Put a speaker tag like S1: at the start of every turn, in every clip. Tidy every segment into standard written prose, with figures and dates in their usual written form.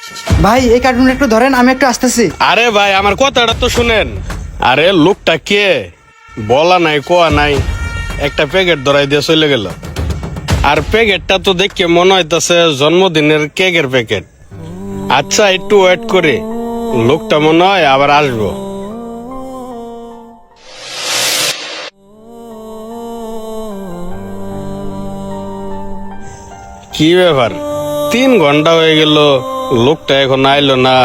S1: ভাই এই কার্টুনটা একটু ধরেন, আমি একটু আসতেছি।
S2: আরে ভাই আমার কথাটা তো শুনেন। আরে লোকটা কে বলা নাই কোয়া নাই, একটা প্যাকেট ধরাই দিয়ে চলে গেল। আর প্যাকেটটা তো দেখে মনে হইতাছে জন্মদিনের কেকের প্যাকেট। আচ্ছা একটু ওয়েট করে, লোকটা মনে হয় আবার আসবো। কি ব্যাপার, 3 ঘন্টা হয়ে গেল, লোকটা এখন আইলো না।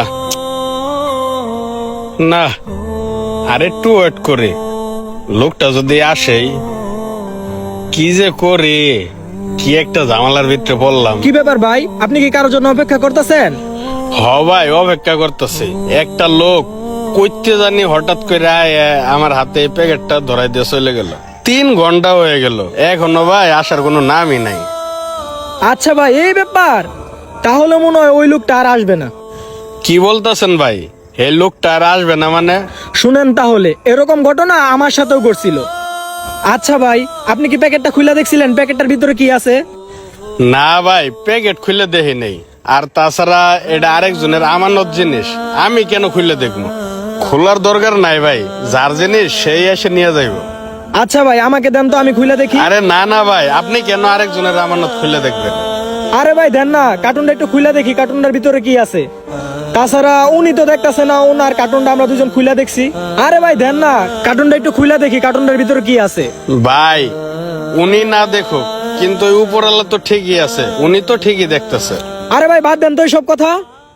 S2: না, আর একটু ওয়েট করে, লোকটা যদি আসেই কি যে করি, কি একটা ঝামেলার ভিতরে পড়লাম।
S3: কি ব্যাপার ভাই, আপনি কি কারোর জন্য অপেক্ষা করতেছেন?
S2: হ ভাই, অপেক্ষা করতেছি। একটা লোক কইতে জানি হঠাৎ করে আমার হাতে এই প্যাকেটটা ধরাই দিয়ে চলে গেল। 3 ঘন্টা হয়ে গেল, এখনো ভাই আসার কোনো নামই নাই।
S3: আচ্ছা ভাই, এই ব্যাপার, তাহলে মনে হয় ওই লোকটা আর আসবে না।
S2: কি বলতেছেন ভাই, এই লোকটা আর আসবে না মানে?
S3: শুনেন তাহলে, এরকম ঘটনা আমার সাথেও ঘটছিল। আচ্ছা ভাই, আপনি কি প্যাকেটটা খুলে দেখছিলেন প্যাকেটটার ভিতরে কি আছে?
S2: না ভাই, প্যাকেট খুলে দেখি নেই। আর তাছাড়া এটা আরেকজনের আমানত জিনিস, আমি কেন খুলে দেখবো? খোলার দরকার নাই ভাই, যার জিনিস সেই এসে নিয়ে যাইব।
S3: আচ্ছা ভাই, আমাকে দেন তো, আমি খুলে দেখি।
S2: আরে না না ভাই, আপনি কেন আরেকজনের আমানত খুলে দেখবেন?
S3: আরে ভাই দেন না, কার্টুনটা একটু খুলে দেখি, কার্টুনটার ভিতরে কি আছে। তাছাড়া উনি তো দেখতেছে না, ওনার কার্টুনটা আমরা দুজন খুলে দেখছি। আরে ভাই দেন না, কার্টুনটা একটু খুলে দেখি, কার্টুনটার ভিতরে কি আছে।
S2: ভাই উনি না দেখুক, কিন্তু ওই উপরওয়ালা তো ঠিকই আছে, উনি তো ঠিকই দেখতেছে।
S3: আরে ভাই বাদ দেন তো সব কথা।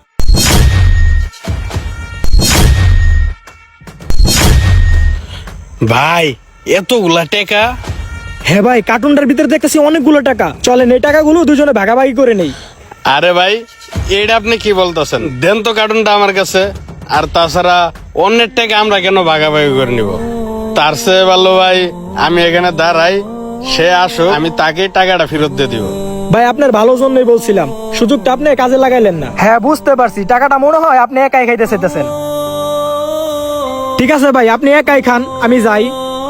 S2: ভাই এতগুলা টাকা?
S3: হ্যাঁ ভাই, কার্টুনটার ভিতরে দেখতেছি অনেকগুলো টাকা। চলেন এই টাকাগুলো দুজনে ভাগাভাগি করে নেই।
S2: আরে ভাই এটা আপনি কি বলতেছেন? দেন তো কার্টুনটা আমার কাছে। আর তাছাড়া অন্যের টাকা আমরা কেন ভাগাভাগি করে নিব? তার চেয়ে ভালো ভাই আমি এখানে দাঁড়াই, সে আসো, আমি তাকে টাকাটা ফেরত দিয়ে দিব।
S3: ভাই আপনার ভালো জন্যই বলছিলাম, সুযোগটা আপনি কাজে লাগাইলেন না। হ্যাঁ বুঝতে পারছি, টাকাটা মনে হয় আপনি একাই খাইতে চাইতেছেন। ঠিক আছে ভাই, আপনি একাই খান, আমি যাই।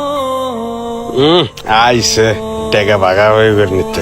S2: আইসে টাকা ভাগাভাগি করে নিতে।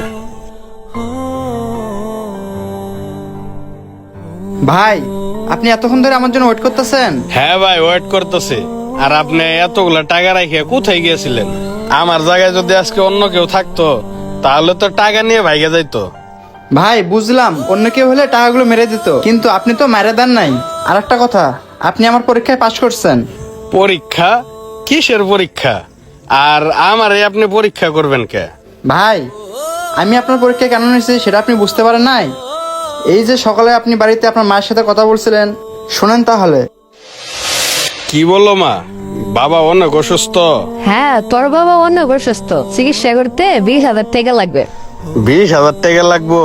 S1: ভাই আপনি এতক্ষণ ধরে আমার জন্য ওয়েট করতেছেন?
S2: হ্যাঁ ভাই ওয়েট করতেছি। আর আপনি এতগুলা টাকা রাখে কোথায় গিয়েছিলেন? আমার জায়গায় যদি আজকে অন্য কেউ থাকতো তাহলে তো টাকা নিয়ে ভাইগে যাইতো।
S1: ভাই বুঝলাম, অন্য কেউ হলে টাকাগুলো মেরে দিত, কিন্তু আপনি তো মেরে দেন নাই। আর একটা কথা, আপনি আমার পরীক্ষায় পাশ করছেন।
S2: পরীক্ষা? কিসের পরীক্ষা? আর আমারে আপনি পরীক্ষা করবেন কে?
S1: ভাই আমি আপনার পরীক্ষায় কেন নিয়েছি সেটা আপনি বুঝতে পারেন নাই? এই যে সকালে আপনি বাড়িতে আপনার মায়ের সাথে কথা বলছিলেন, শোনেন তাহলে।
S2: কি বললো মা? বাবা অনেক অসুস্থ?
S4: হ্যাঁ, তোর বাবা অনেক অসুস্থ, চিকিৎসা করতে 20,000 টাকা লাগবে।
S2: 20,000 টাকা লাগবো?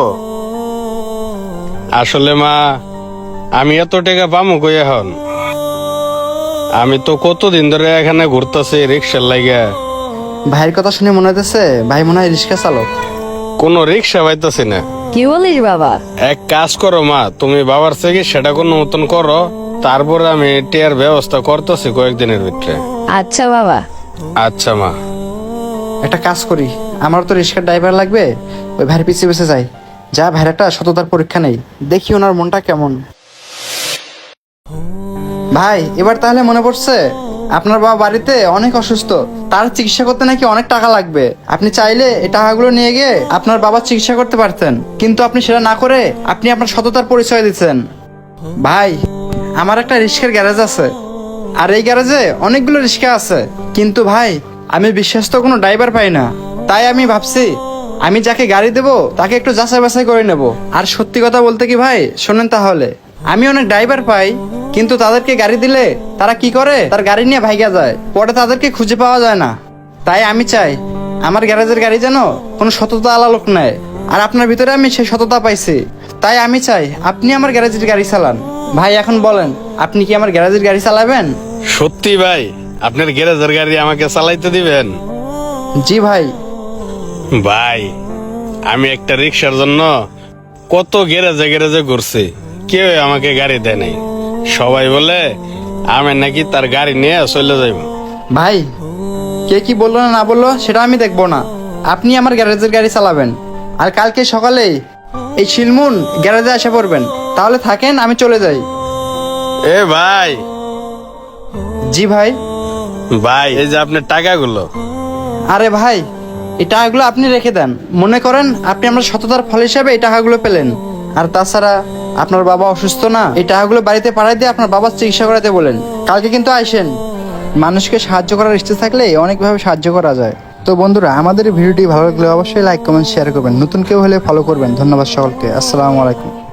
S2: আসলে মা আমি এত টাকা পামু কই এখন? আমি তো কতদিন ধরে এখানে ঘুরতেছি রিক্সার লাগা।
S1: ভাইয়ের কথা শুনে মনে হইতেছে ভাই মনে হয় রিক্সা চালক।
S2: কোনো রিক্সা পাইতাছি না।
S4: কি বলিস বাবা?
S2: এক কাজ করো মা, তুমি বাবার থেকে সেটা কোনো মতন করো, তারপরে আমি টিয়ার ব্যবস্থা করতেছি কয়েকদিনের ভিতরে।
S4: আচ্ছা বাবা।
S2: আচ্ছা মা।
S1: একটা কাজ করি, আমার তো রিক্সার ড্রাইভার লাগবে, ওই ভাইয়ের পিছিয়ে পিছিয়ে যাই, যা ভাইয়ের একটা সততার পরীক্ষা নেই, দেখি ওনার মনটা কেমন। ভাই এবার তাহলে মনে পড়ছে, আপনার বাবা বাড়িতে অনেক অসুস্থ, তার চিকিৎসা করতে নাকি অনেক টাকা লাগবে। আপনি চাইলে এই টাকাগুলো নিয়ে গিয়ে আপনার বাবার চিকিৎসা করতে পারতেন, কিন্তু আপনি সেটা না করে আপনি আপনার সততার পরিচয় দিচ্ছেন। ভাই আমার একটা রিক্সার গ্যারেজ আছে, আর এই গ্যারেজে অনেকগুলো রিক্সা আছে, কিন্তু ভাই আমি বিশ্বস্ত কোনো ড্রাইভার পাই না। তাই আমি ভাবছি আমি যাকে গাড়ি দেবো তাকে একটু যাচাই বাছাই করে নেব। আর সত্যি কথা বলতে কি ভাই, শোনেন তাহলে, আমি অনেক ড্রাইভার পাই, কিন্তু তাদেরকে গাড়ি দিলে তারা কি করে, তার গাড়ি নিয়ে ভাইগা যায়, পরে তাদেরকে খুঁজে পাওয়া যায় না। তাই আমি চাই আমার গ্যারেজের গাড়ি যেন কোনো সততা আলা লোক নেয়, আর আপনার ভিতরে আমি সেই সততা পাইছি। তাই আমি চাই আপনি আমার গ্যারেজের গাড়ি চালান। ভাই এখন বলেন, আপনি কি আমার গ্যারেজের গাড়ি চালাবেন?
S2: সত্যি ভাই আপনার গ্যারেজের গাড়ি আমাকে চালাইতে দিবেন?
S1: জি ভাই।
S2: ভাই আমি একটা রিক্সার জন্য কত গ্যারেজে গ্যারেজে ঘুরছি, কেউ আমাকে গাড়ি দেয় নাই। সবাই বলে আমি নাকি তার গাড়ি নিয়ে চলে যাইব।
S1: ভাই কে কি বললো না বললো সেটা আমি দেখবো না, আপনি আমার গ্যারেজের গাড়ি চালাবেন। আর কালকে সকালে এই শিলমুন গ্যারেজে এসে পড়বেন, তাহলে থাকেন, আমি চলে যাই।
S2: এ ভাই,
S1: জি ভাই।
S2: ভাই এই যে আপনার টাকাগুলো।
S1: আরে ভাই, এই টাকাগুলো আপনি রেখে দেন। মনে করেন আপনি আমার সততার ফল হিসাবে এই টাকাগুলো পেলেন। আর তাছাড়া আপনার বাবা অসুস্থ না, এই টাকাগুলো বাড়িতে পাঠাই দিয়ে আপনার বাবার চিকিৎসা করাতে বলেন। কালকে কিন্তু আইসেন। মানুষকে সাহায্য করার ইচ্ছে থাকলে অনেকভাবে সাহায্য করা যায়। তো বন্ধুরা, আমাদের এই ভিডিওটি ভালো লাগলে অবশ্যই লাইক কমেন্ট শেয়ার করবেন। নতুন কেউ হলে ফলো করবেন। ধন্যবাদ সকলকে। আসসালামু আলাইকুম।